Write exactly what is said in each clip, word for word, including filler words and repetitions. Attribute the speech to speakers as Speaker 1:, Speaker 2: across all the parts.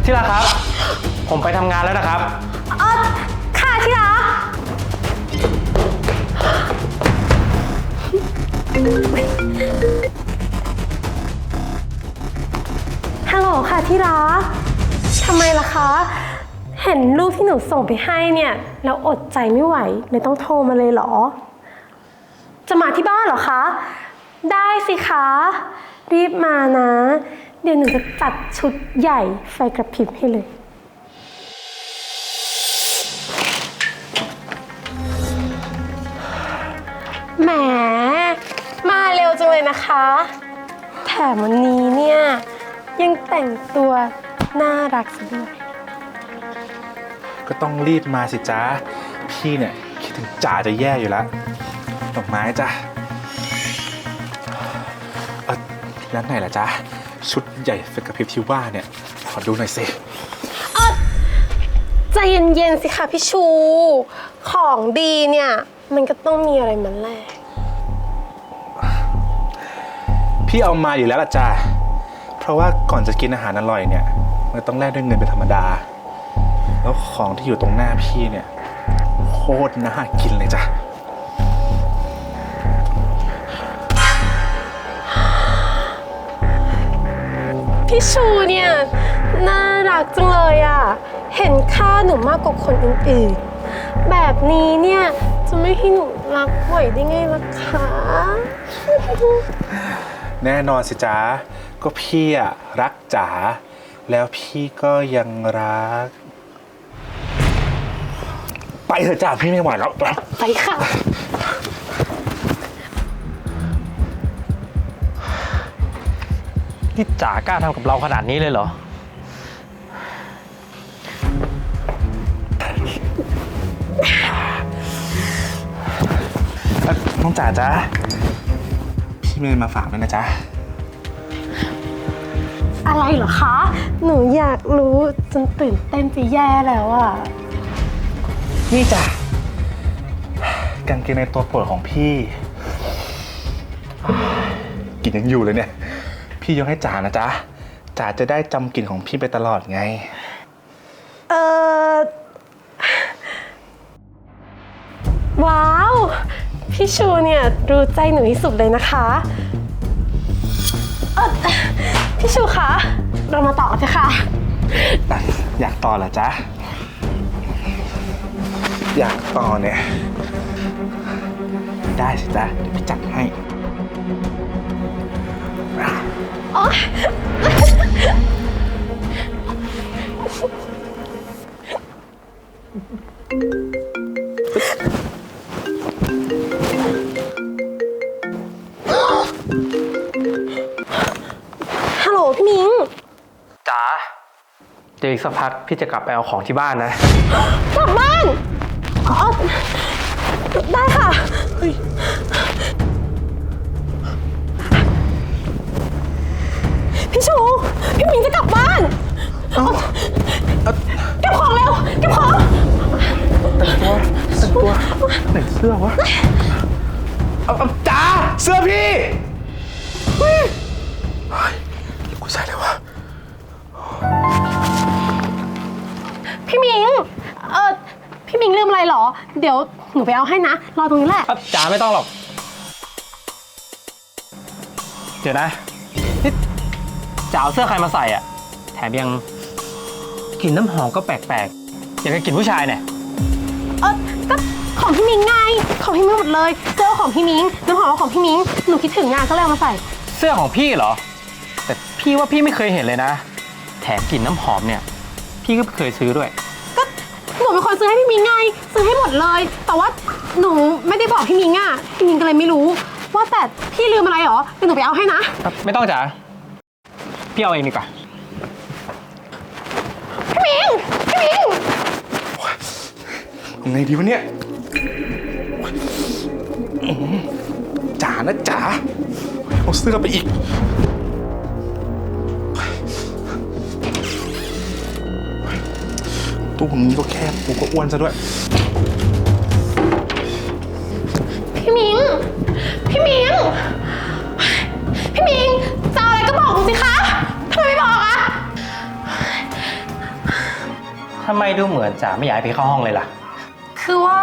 Speaker 1: ที่รักครับ ผมไปทำงานแล้วนะครับ
Speaker 2: เออค่ะที่รักฮัลโหลค่ะที่รักทำไมล่ะคะเห็นรูปที่หนูส่งไปให้เนี่ยแล้วอดใจไม่ไหวเลยต้องโทรมาเลยเหรอจะมาที่บ้านเหรอคะได้สิคะรีบมานะเดี๋ยวหนูจะจัดชุดใหญ่ไฟกระพริบให้เลยแหมมาเร็วจังเลยนะคะแถมวันนี้เนี่ยยังแต่งตัวน่ารักซะด้วย
Speaker 3: ก็ต้องรีบมาสิจ้าพี่เนี่ยคิดถึงจ๋าจะแย่อยู่แล้วดอกไม้จ้ะเออแล้วไหนล่ะจ๊ะชุดใหญ่ไฟกระพริบที่ว่าเนี่ยขอดูหน่อยสิ
Speaker 2: เออใจเย็นๆสิคะพี่ชูของดีเนี่ยมันก็ต้องมีอะไรมันแลก
Speaker 3: พี่เอามาอยู่แล้วล่ะจ้าเพราะว่าก่อนจะกินอาหารอร่อยเนี่ยมันต้องแลกด้วยเงินเป็นธรรมดาแล้วของที่อยู่ตรงหน้าพี่เนี่ยโคตรน่ากินเลยจ้ะ
Speaker 2: พี่ชูเนี่ยน่ารักจังเลยอ่ะเห็นค่าหนูมากกว่าคนอื่นๆแบบนี้เนี่ยจะไม่ให้หนูรักไหวได้ไงล่ะคะ
Speaker 3: แน่นอนสิจ๊ะก็พี่อะรักจ๋าแล้วพี่ก็ยังรักไปเถอะจ้าพี่ไม่ไหวแล้ว
Speaker 2: ไปค่ะ
Speaker 1: นี่จ๋ากล้าทำกับเราขนาดนี้เลยเหรอ
Speaker 3: น้องจ๋าจ๊ะพี่มีมาฝากด้วยนะจ๊ะ
Speaker 2: อะไรเหรอคะหนูอยากรู้จนตื่นเต้นจะแย่แล้วอ่ะ
Speaker 3: นี่จ้ะกางเกงในตัวโปรดของพี่กลิ่นยังอยู่เลยเนี่ยพี่ยกให้จ๋านะจ๊ะจ๋าจะได้จำกลิ่นของพี่ไปตลอดไง
Speaker 2: เออว้าวพี่ชูเนี่ยรู้ใจหนูที่สุดเลยนะคะเออพี่ชูคะเรามาต่อกันเถอะค่ะ
Speaker 3: อยากต่อเหรอจ๊ะอยากต่อเนี่ยได้สิจ๊ะเดี๋ยวพี่จัดให้
Speaker 2: อ๋อฮัลโหลพี่มิง
Speaker 1: จ๋าเดี๋ยวอีกสักพักพี่จะกลับไปเอาของที่บ้านนะ
Speaker 2: กลับบ้านอ๋อได้ค่ะพี่ชูพี่มิงจะกลับบ้านเก็บของเร็วเก็บของ
Speaker 3: แต่งตัวแต่งตัวไหนเสื้อวะเอาเอาจ๋าเสื้อพี่เฮ้ยกูใส่เลยวะ
Speaker 2: พี่มิงเออพี่มิงลืมอะไรหรอเดี๋ยวหนูไปเอาให้นะรอตรงนี้แหละ
Speaker 1: จ๋าไม่ต้องหรอกเดี๋ยวนะนี่จ๋าเอาเสื้อใครมาใส่อ่ะแถมยังกลิ่นน้ำหอมก็แปลกๆอย่างกับกลิ่นผู้ชายเนี่ย
Speaker 2: เออก็ของพี่มิงไงของพี่มิงหมดเลยเสื้อของพี่มิงน้ำหอมของพี่มิงหนูคิดถึงงานก็เลยเอามาใส่
Speaker 1: เสื้อของพี่เหรอแต่พี่ว่าพี่ไม่เคยเห็นเลยนะแถมกลิ่นน้ำหอมเนี่ยพี่ก็ไม่เคยซื้อด้วย
Speaker 2: ก็หนูเป็นคนซื้อให้พี่มิงไงซื้อให้หมดเลยแต่ว่าหนูไม่ได้บอกพี่มิงอ่ะพี่มิงก็เลยไม่รู้ว่าแต่พี่ลืมอะไรหรอเดี๋ยวหนูไปเอาให้นะ
Speaker 1: ไม่ต้องจ๋าพี่เอาเองดีกว่า
Speaker 2: พี่มิงพี่มิง
Speaker 3: ยังไงดีวะเนี่ยจ๋านะจ๋าเอาเสื้อไปอีกตู้ผมนี้ก็แคบกูก็อ้วนซะด้วย
Speaker 2: พี่มิงพี่มิงพี่มิงจะอะไรก็บอกหนูสิคะทำไมไม่บอกอะ
Speaker 1: ทำไมดูเหมือนจ๋าไม่อยากให้พี่เข้าห้องเลยล่ะ
Speaker 2: คือว่า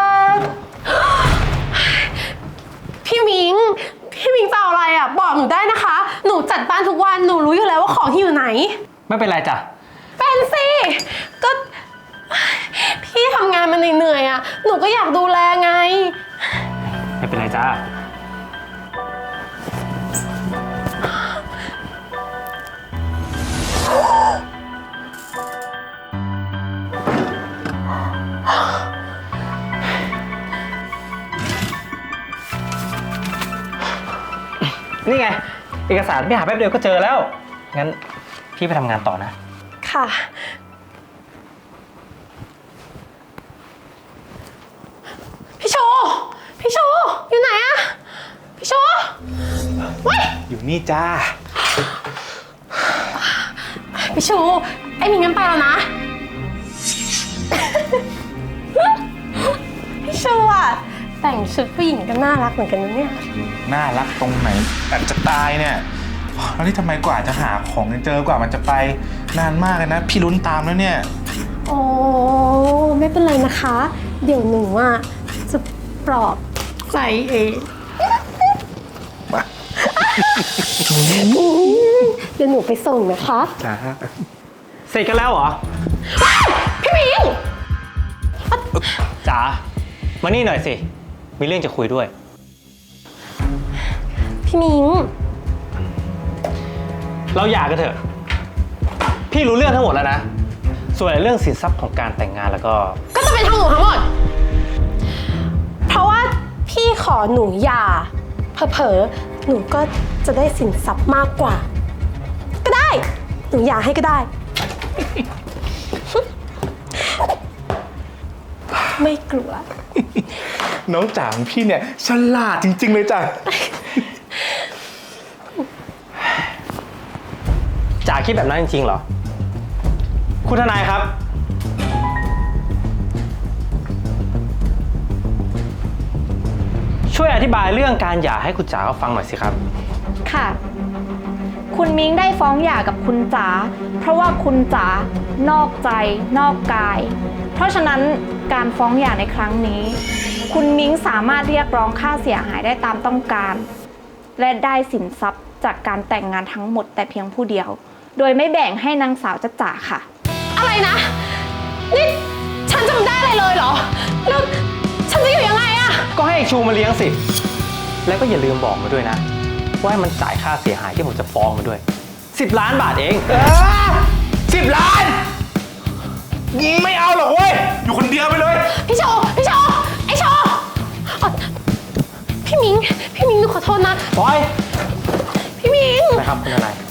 Speaker 2: พี่มิง พี่มิงจะเอาอะไรอ่ะ บอกหนูได้นะคะ หนูจัดบ้านทุกวัน หนูรู้อยู่แล้วว่าของที่อยู่ไหน
Speaker 1: ไม่เป็นไรจ้ะ
Speaker 2: เป็นสิ ก็ พี่ทำงานมาเหนื่อยๆอ่ะ หนูก็อยากดูแลไง
Speaker 1: ไม่เป็นไรจ้า นี่ไง เอกสารพี่หาแป๊บเดียวก็เจอแล้ว งั้นพี่ไปทำงานต่อนะ
Speaker 2: ค่ะ พี่โชว์พี่โชว์อยู่ไหนอะพี่โชว์เว้ย
Speaker 3: อยู่นี่จ้า
Speaker 2: พี่โชว์ไอ้มิงงั้นไปแล้วนะ พี่โชว์อะแต่งชุดผู้หญิงก็น่ารักเหมือนกันนะเนี่ย
Speaker 3: น่ารักตรงไหนแบบจะตายเนี่ย แล้วนี่ทำไมกว่าจะหาของเจอกว่ามันจะไปนานมากเลยนะ พี่ลุ้นตามแล้วเนี่ย
Speaker 2: โอ้ไม่เป็นไรนะคะ เดี๋ยวหนูอ่ะจะปลอบใจเองเดี๋ยวหนูไปส่งนะคะ
Speaker 3: จ้า
Speaker 1: เสร็จกันแล้วเหรอ
Speaker 2: พี่มิง
Speaker 1: จ๋า มานี่หน่อยสิ มีเรื่องจะคุยด้วย
Speaker 2: พี่มิง
Speaker 1: เราหย่ากันเถอะ พี่รู้เรื่องทั้งหมดแล้วนะ ส่วนเรื่องสินทรัพย์ของการแต่งงานแล้วก็
Speaker 2: ก็จะเป็นทางหนูทั้งหมด เพราะว่าพี่ขอหนูหย่าเผลอๆหนูก็จะได้สินทรัพย์มากกว่า ก็ได้ หนูหย่าให้ก็ได้ ไม่กลัว
Speaker 3: น้องจ๋าของพี่เนี่ยฉลาดจริง ๆ เลยจ้ะ
Speaker 1: จ๋าคิดแบบนั้นจริงๆเหรอ คุณทนายครับ ช่วยอธิบายเรื่องการหย่าให้คุณจ๋าเขาฟังหน่อยสิครับ
Speaker 4: ค่ะ คุณมิ้งได้ฟ้องหย่ากับคุณจ๋าเพราะว่าคุณจ๋านอกใจนอกกาย เพราะฉะนั้นการฟ้องหย่าในครั้งนี้ คุณมิ้งสามารถเรียกร้องค่าเสียหายได้ตามต้องการ และได้สินทรัพย์จากการแต่งงานทั้งหมดแต่เพียงผู้เดียว โดยไม่แบ่งให้นางสาวจ๊ะจ๋าค่ะ
Speaker 2: อะไรนะ นี่ฉันจำได้อะไรเลยเหรอ แล้วฉันจะอยู่ยังไงอะ
Speaker 1: ก็ให้ชูมาเลี้ยงสิ แล้วก็อย่าลืมบอกมาด้วยนะ ว่าให้มันจ่ายค่าเสียหายที่ผมจะฟ้องมาด้วย สิบล้านบาทเอง
Speaker 3: สิบล้าน ไม่เอาหรอกเว้ย อยู่คนเดียวไปเลย
Speaker 2: พี่โชว์พี่โชว์ไอโชว์อ่ะพี่มิง พี่มิงหนูขอโทษนะ
Speaker 1: ปล่อย
Speaker 2: พี่มิง
Speaker 1: นะครับคุณทนาย